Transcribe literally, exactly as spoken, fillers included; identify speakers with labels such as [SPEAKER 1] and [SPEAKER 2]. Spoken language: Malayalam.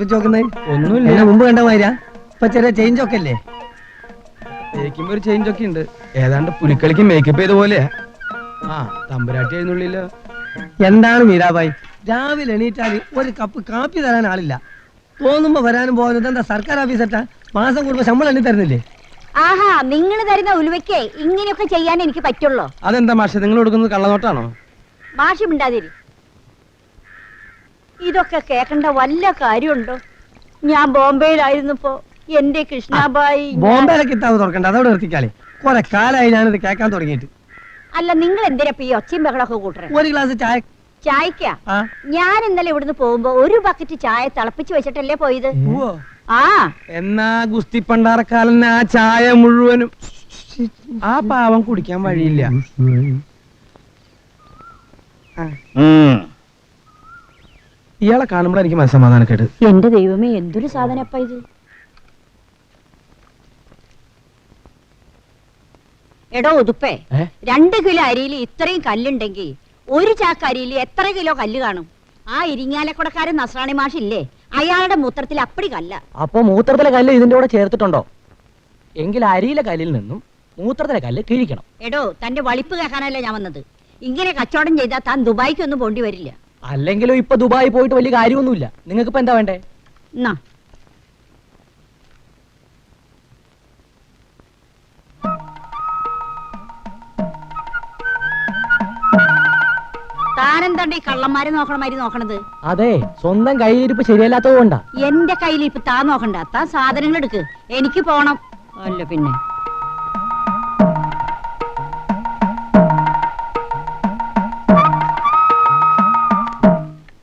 [SPEAKER 1] ഉറപ്പിച്ചു നോക്കുന്നത്?
[SPEAKER 2] ഒന്നുമില്ല,
[SPEAKER 1] മുമ്പ് കണ്ട മാതിരാ? ഇപ്പൊ ചെറിയ ചേഞ്ച് ഒക്കെ അല്ലേ?
[SPEAKER 2] മേക്കുമ്പോ ഒരു ചേഞ്ച് ഒക്കെ ഉണ്ട്. ഏതാണ്ട് പുലിക്കളിക്ക് മേക്കപ്പ് ചെയ്ത പോലെയാ. ആ തമ്പുരാട്ടി എഴുന്നള്ളില്ല.
[SPEAKER 1] എന്താണ് മീരാബായി, രാവിലെ എണീറ്റാല് ഒരു കപ്പ് കാപ്പി തരാൻ ആളില്ല. തോന്നുമ്പോ വരാനും പോകാനും എന്താ സർക്കാർ ഓഫീസറ്റാ? മാസം കൂടുമ്പോ ശമ്പളം എണ്ണി തരുന്നില്ലേ?
[SPEAKER 3] ആഹാ, നിങ്ങൾ തരുന്ന ഉലുവയ്ക്ക് ഇങ്ങനെയൊക്കെ ചെയ്യാൻ എനിക്ക് പറ്റുള്ളൂ.
[SPEAKER 2] അതെന്താ മാഷെ, നിങ്ങൾ കൊടുക്കുന്നത് കള്ളനോട്ടാണോ?
[SPEAKER 3] മാഷി മിണ്ടാതിരി. ഇതൊക്കെ കേൾക്കേണ്ട വല്ല കാര്യമുണ്ടോ? ഞാൻ ബോംബെയിലായിരുന്നപ്പോ എന്റെ കൃഷ്ണാബായി.
[SPEAKER 1] ബോംബെയിലെ കിതാബ് തുറക്കണ്ട, അതോടെ നിർത്തിക്കാളെ. കുറെ കാലായി ഞാനിത് കേൾക്കാൻ തുടങ്ങിയിട്ട്.
[SPEAKER 3] അല്ല, നിങ്ങൾ എന്തിനാ ഈ ഒച്ചയും ബഹളമൊക്കെ കൂട്ടണേ?
[SPEAKER 1] ഒരു ഗ്ലാസ് ചായ.
[SPEAKER 3] ചായക്കാ? ഞാൻ ഇന്നലെ ഇവിടുന്ന് പോകുമ്പോ ഒരു ബക്കറ്റ് ചായ തിളപ്പിച്ച് വെച്ചിട്ടല്ലേ പോയത്. ആ
[SPEAKER 2] എന്നാ ഗുസ്തി പണ്ടാറക്കാലൻ ആ ചായ മുഴുവനും ആ പാവം കുടിക്കാൻ വഴിയില്ല. ഇയാളെ കാണുമ്പോൾ എനിക്ക് മനസ്സമാധാനക്കേട്.
[SPEAKER 3] എന്റെ ദൈവമേ, എന്തൊരു സാധനപ്പ ഇത്. എടോ ഉതുപ്പേ, രണ്ട് കിലോ അരിയിൽ ഇത്രയും കല്ലുണ്ടെങ്കിൽ ഒരു ചാക്ക് അരിയിൽ എത്ര കിലോ കല്ല് കാണും? ആ ഇരിങ്ങാലക്കുടക്കാരൻ നസ്രാണി മാഷില്ലേ, അയാളുടെ മൂത്രത്തിൽ അപ്പടി കല്ല.
[SPEAKER 4] അപ്പൊ മൂത്രത്തിലെ കല്ല് ഇതിന്റെ കൂടെ ചേർത്തിട്ടുണ്ടോ? എങ്കിൽ അരിയിലെ കല്ലിൽ നിന്നും മൂത്രത്തിലെ കല്ല് കിഴിക്കണം.
[SPEAKER 3] എടോ, തന്റെ വളിപ്പ് കേൾക്കാനല്ലേ ഞാൻ വന്നത്. ഇങ്ങനെ കച്ചവടം ചെയ്താൽ താൻ ദുബായിക്കൊന്നും പോണ്ടി വരില്ല.
[SPEAKER 4] അല്ലെങ്കിലും ഇപ്പൊ ദുബായി പോയിട്ട് വലിയ കാര്യമൊന്നുമില്ല. നിങ്ങൾക്ക് ഇപ്പൊ എന്താ വേണ്ടേ?
[SPEAKER 3] എന്നാ താനെന്താണ്ട് ഈ കള്ളന്മാരെ നോക്കണമാതിരി നോക്കണത്?
[SPEAKER 4] അതെ, സ്വന്തം കയ്യിലിരിപ്പ് ശരിയല്ലാത്തത് കൊണ്ടാ.
[SPEAKER 3] എന്റെ കയ്യിലിരിപ്പ് താൻ നോക്കണ്ട, താൻ സാധനങ്ങൾ എടുക്ക്, എനിക്ക് പോണം. അല്ല പിന്നെ